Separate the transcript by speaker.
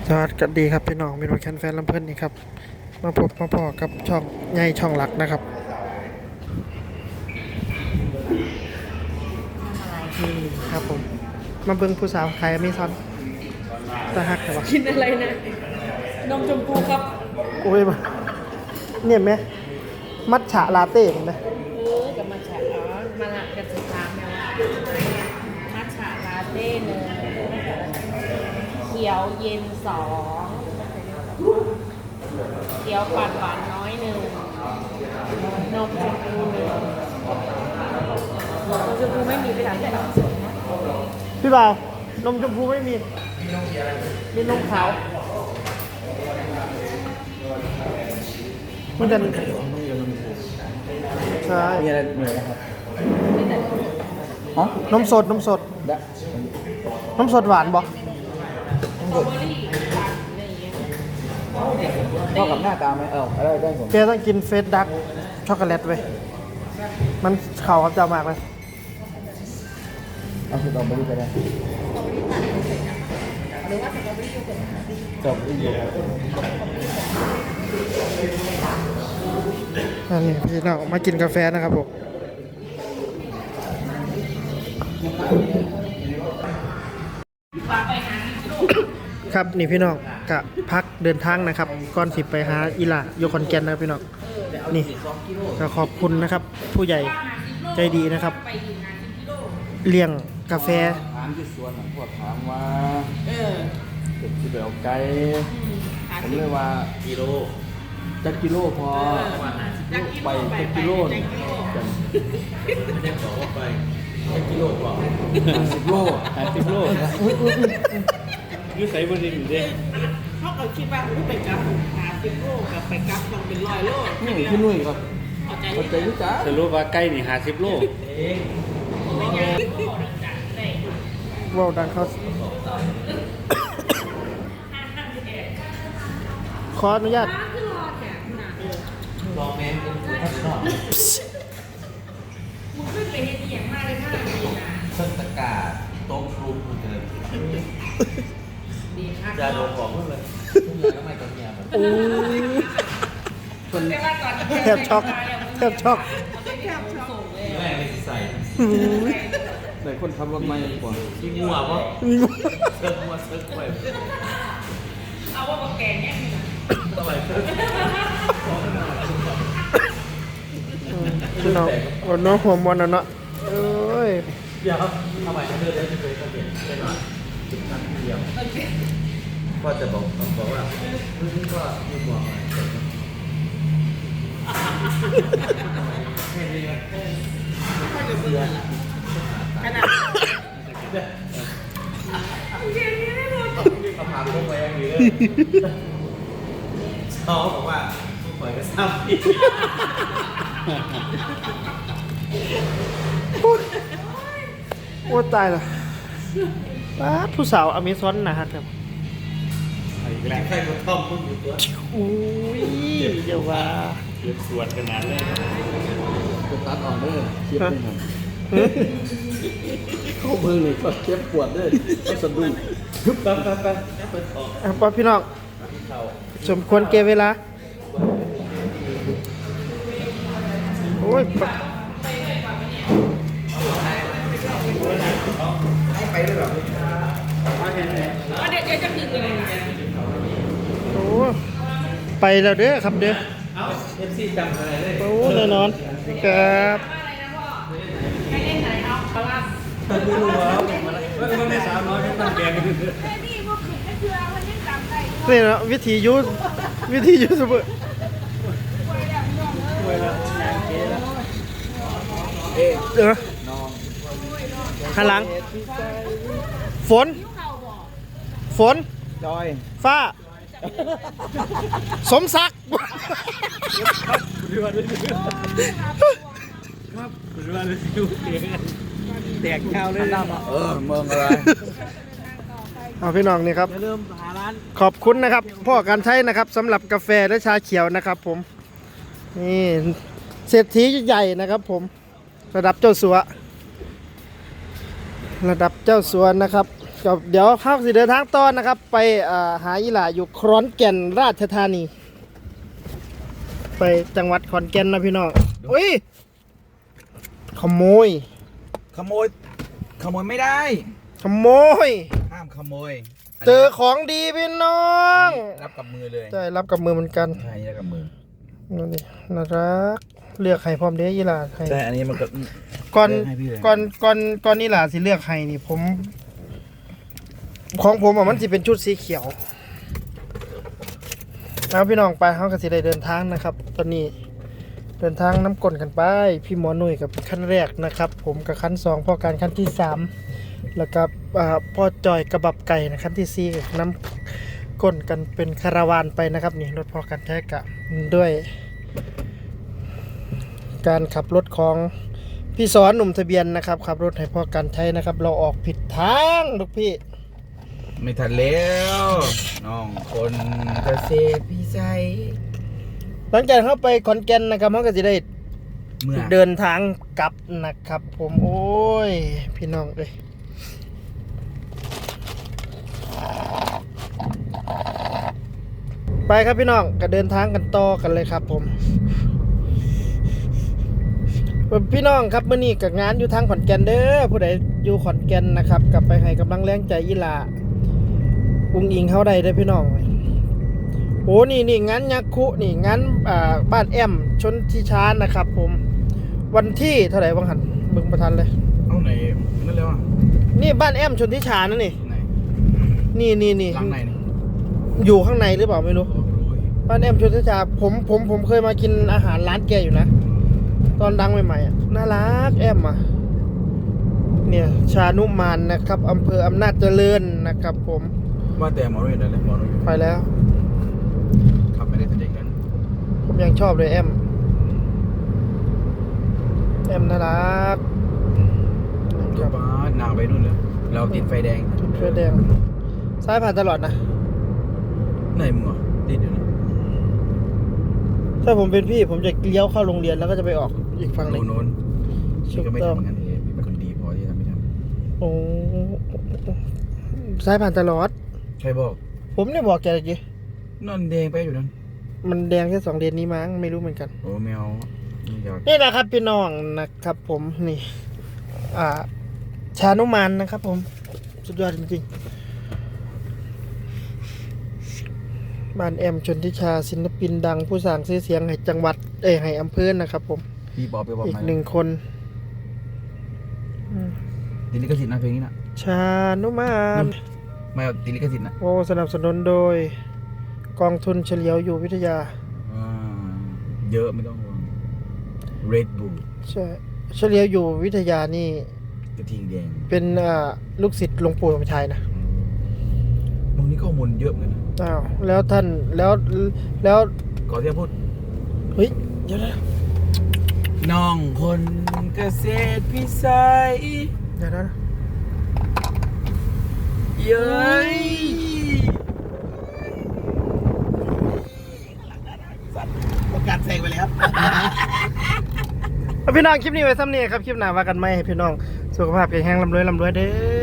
Speaker 1: สวัสดีครับพี่น้องมีรถแคนแฟนลำเพิ่นนี่ครับมาพบมาพอกับช่องใหญ่ช่องหลักนะครับนี่ครับผมมาเบิ่งผู้สาวขายอเมซอนตาหักแต่ว่า
Speaker 2: กินอะไรนะนมชมพูครับ
Speaker 1: โอ้ยมาเนี่ยไหมมัทฉะลาเต้เห็นไหม
Speaker 2: กับมัทฉะอ๋อมาละกันสุดท้ายแม่ว่ามัทฉะลาเต้หนึ่งเขียวเย็นสองเขียวปั่นหวานน้อยหนึ่งนมชมพูหนึ่งนมชมพูไม่มีไปไหนแต่นมสดนะ
Speaker 1: พี่บ่าวนมชมพูไม่มีมีนมขาวมันจะใช่
Speaker 3: มีอะไรเหนื่อยนะครับฮะ
Speaker 1: นมสดนมสด
Speaker 3: ได้
Speaker 1: นมสดหวานบ่
Speaker 3: เข้ากับหน้าตาไหมอะไรได้ผม
Speaker 1: แกต้องกินเฟสดักช็อกโกแลตไว้ยมันเข่ากับเจ้ามากเลย
Speaker 3: เอาสตรอเบอรี่ไปได้สตรอเบอรี่
Speaker 1: อันนี้พี่น้องมากินกาแฟนะครับผมครับนี่พี่น้องกะพักเดินทางนะครับก่อนสิไปหาอีหล่าโยคอนแกนนะครับพี่น้องนี่ก็ขอบคุณนะครับ ผู้ใหญ่ใจดีนะครับเลี้ยงกาแฟ
Speaker 3: ถามที่สวนพวกถามว่าเด็กที่ไปเอาไก่ผมเลยว่าจักกิโลพอไปจักกิโลกัน50 โล
Speaker 4: ยูใส่บนดินอยู่ดิ
Speaker 2: เขาเอาคิดว่าไปกับ50 โลกับไปกับต้องเป็น100 โล
Speaker 3: นี่พี่นุ่ยครับ
Speaker 2: เข้าใจ
Speaker 3: เข้าใจรู้จัก
Speaker 4: สรุปว่าใกล้นี่50 โล
Speaker 1: ว้าวดังเขาขออนุญาต
Speaker 2: มึงขึ้นไปเฮ็ดอีหยังมาเลยค่ะดีนะ
Speaker 5: เส้นตะกาโต๊ะครูคุณเดิน
Speaker 2: ดีค่ะ
Speaker 5: ยาดมบอกเพื่อนเลยทุกอย่างก็ไม่ต้องเงียบแบบ
Speaker 1: โอ้ย
Speaker 2: แต่ว่าตอน
Speaker 1: แทบช็อกแทบช็อก
Speaker 5: แม่ไม่ใส่
Speaker 3: แต่คนขับรถไม่กว่า
Speaker 5: ที่งัวปะ
Speaker 1: มีงู
Speaker 5: เซิร์ฟงัวเซิร์ฟไป
Speaker 2: เอาว่าบักแกงเนี่ยคือ
Speaker 5: ทำไมเซิร์ฟ
Speaker 1: พี่น้องวันน้องหัวมันอ่ะเนาะเอ้ย
Speaker 5: เดี๋ยวทำไมเขาเดินได้จะเคยเขาเปลี่ยนได้หน่อยจุดนั้นทีเดียวก็จะบอกว่านี่ก็มีหัวอะไรแค่นี้แค่
Speaker 2: ขนาด
Speaker 5: คำถามพวกไปอย่างนี้เลยเขาบอกว่าทุกคนก็ทราบดี
Speaker 1: โอ้ตายละป้าดผู้สาวอเมซอนนะฮะครับ
Speaker 5: แหละใครก็ท่อมมึงอยู่ตัว
Speaker 1: โอ้ยเดี๋ยวว่า
Speaker 4: เดือดสวดขนาดเลย
Speaker 3: จะตัดออกเด้อเจ็บไม่ทันเข้ามือเลยก็เจ็บปวดเด้อก็สะดุ้ง
Speaker 5: ไปเปิดออก
Speaker 1: อ่ะป้าพี่น้องสมควรเก็บเวลาโอ้ยปะ
Speaker 2: ว่าเดี๋ยวจะดึงเลยนะ
Speaker 1: โอ้ไปแล้วเด้อครับเด้อ
Speaker 5: เอ้าเอฟซีจำอะไรได้
Speaker 1: โอ้แน่นอนครับ
Speaker 2: ให้เล่นไหนเอาปลาล่า
Speaker 5: ไม่รู้ว่ามันไม่สาวน้อยไม่ต้องแกง
Speaker 1: นี่นะวิธียูทูบเบอร์
Speaker 3: เอ๊ะ
Speaker 1: เดี๋ยวนะ
Speaker 3: นอน
Speaker 1: หันหลังฝน
Speaker 3: จอย
Speaker 1: ฟ้า สมศักดิ์
Speaker 4: แตกเงาเลย
Speaker 3: เมืองอะไร
Speaker 1: เอาพี่น้องนี่ครับ
Speaker 4: เริ่มหาร้าน
Speaker 1: ขอบคุณนะครับพ่อการใช้นะครับสำหรับกาแฟและชาเขียวนะครับผมนี่เศรษฐีใหญ่นะครับผมระดับเจ้าสัวนะครับกับเดี๋ยวเข้าสิเดินทางต่อนะครับ ไปหาอีหล่าอยู่ขอนแก่นราชธานี ไปจังหวัดขอนแก่นนะพี่น้องอุ้ยขโมย
Speaker 5: ขโมยไม่ได้
Speaker 1: ขโมย
Speaker 5: ห้ามขโมย
Speaker 1: เจอของดีพี่น้อง
Speaker 5: รับกับมือเลย
Speaker 1: ใช่รับกับมือเหมือนกัน
Speaker 5: ใช่รับกับมือ
Speaker 1: นั่นดิน่ารักเลือกไข่พร้อมเด้อีหล่าไข่
Speaker 5: ใช่อันนี้มันก็
Speaker 1: ก่อน
Speaker 5: ให้พี่เลย
Speaker 1: ก่อนอีหล่าสิเลือกไข่นี่ผมของผมอ่ะมันสิเป็นชุดสีเขียวแล้วพี่น้องไปเขาก็สิได้เดินทางนะครับ ตอนนี้เดินทางน้ำกลนกันไปพี่หมอหนุ่ยกับขั้นแรกนะครับ ผมกับขั้นสองพ่อการขั้นที่3แล้วก็พ่อจอยกระบับไก่นะขั้นที่4กับน้ำก้นกันเป็นคาราวานไปนะครับนี่รถพ่อการแท้กะด้วย การขับรถของพี่สอนหนุ่มทะเบียนนะครับขับรถให้พ่อการใช้นะครับ เราออกผิดทางลูกพี่
Speaker 5: ไม่ทันแล้วน้องคนเกษตรพี่ใจ
Speaker 1: หลังจากเข้าไปขอนแก่นนะครับเขาก็จะได้
Speaker 5: เมื่อ
Speaker 1: เดินทางกลับนะครับ ผมโอ้ยพี่น้องเลยไปครับพี่น้องก็เดินทางกันต่อกันเลยครับผมพี่น้องครับมื้อนี้กับงานอยู่ทางขอนแก่นเด้อผู้ใดอยู่ขอนแก่นนะครับกลับไปให้กำลังแรงใจอีหลาอุ้งอิงเข้าได้เด้อพี่น้องโอ้นี่งานยักษ์คุนี่งานบ้านแอมชนทิชานะครับ ผมวันที่เท่าไหร่บ้างหันเบิ่งประทันเลย
Speaker 5: เอาไหนนั่นแล้วอ่ะ
Speaker 1: นี่บ้านแอมชนทิชานั่นนี่
Speaker 5: ไหน
Speaker 1: นี่
Speaker 5: หลังไหนนี่
Speaker 1: อยู่ข้างในหรือเปล่าไม่รู้
Speaker 5: โอ้ย
Speaker 1: บ้านแอมชนทิชาผมเคยมากินอาหารร้านแกอยู่นะตอนดังใหม่ๆอ่ะน่ารักแอมอ่ะเนี่ยชานุมานนะครับอำเภออำนาจเจริญนะครับ ผม
Speaker 5: ว่าแต่หมอรู้อยู่ไหนเลยหมอรู้อยู่
Speaker 1: ไปแล้ว
Speaker 5: ขับไม่ได้แต่เด็กนั้น
Speaker 1: ผมยังชอบเลยแอมน่ารักค
Speaker 5: ก
Speaker 1: รับ
Speaker 5: บ้านนางไปนู่นเลยเราติดไฟแดง
Speaker 1: จุดไฟแดงซ้ายผ่านตลอดนะ
Speaker 5: ไหนมึงอ่ะติดอยู่นะ
Speaker 1: ถ้าผมเป็นพี่ผมจะเลี้ยวเข้าโรงเรียนแล้วก็จะไปออกอีกฝั่งหนึ่ง
Speaker 5: โน้น
Speaker 1: ถู
Speaker 5: พี่
Speaker 1: ก
Speaker 5: ก็ไม่
Speaker 1: ต้อง
Speaker 5: ทำเหมือนกันพี่เป็นคนดีพอที่ทำไม่ท
Speaker 1: โอ้ซ้ายผ่านตลอด
Speaker 5: ำใครบอก
Speaker 1: ผมเนี่ยบอกแกเลยจี
Speaker 5: นั่นแดงไปอยู่นั่น
Speaker 1: มันแดงแค่2 เลนนี้มั้งไม่รู้เหมือนกัน
Speaker 5: โอ้แมวไม่อยาก
Speaker 1: นี่นะครับพี่น้องนะครับ ผมนี่ชานุมานนะครับ ผมสุดยอดจริงๆบ้านแอมชนทิชาศิลปินดังผู้สร้างชื่อเสียงให้จังหวัดให้อำเภอนะครับ ผม
Speaker 5: พี่บอกไปบอก
Speaker 1: อีก
Speaker 5: มา
Speaker 1: 1 คน
Speaker 5: ติดลิขสิทธิ์นะเพลงนี้นะ
Speaker 1: ชานุมาน
Speaker 5: ไม่เอาติดลิขสิทธิ์นะ
Speaker 1: โอ้สนับสนุนโดยกองทุนเฉลียวอยู่วิทยา
Speaker 5: อ่าเยอะไม่ต้องห่วง Red Bull
Speaker 1: ใช่เฉลียวอยู่วิทยานี่
Speaker 5: กระทิงแดง
Speaker 1: เป็นลูกศิษย์หลวงปู่สมชายนะ
Speaker 5: ตรงนี้ข้อมูลเยอะเหมือนกันนะ
Speaker 1: อ้าวแล้วท่านแล้ว
Speaker 5: ก่อนที่จะพูด
Speaker 1: เฮ้ยเดี๋ยวนะ
Speaker 5: น้องคนเกษตรพิสัย
Speaker 1: เดี๋ยวนะ
Speaker 5: เย้ยประกาศแซงไปแล้ว
Speaker 1: เอาพี่น้องคลิปนี้ไว้ซ้ำนี่ครับคลิปหน้าว่ากันไหมให้พี่น้องสุขภาพแข็งแรงร่ำรวยเด้อ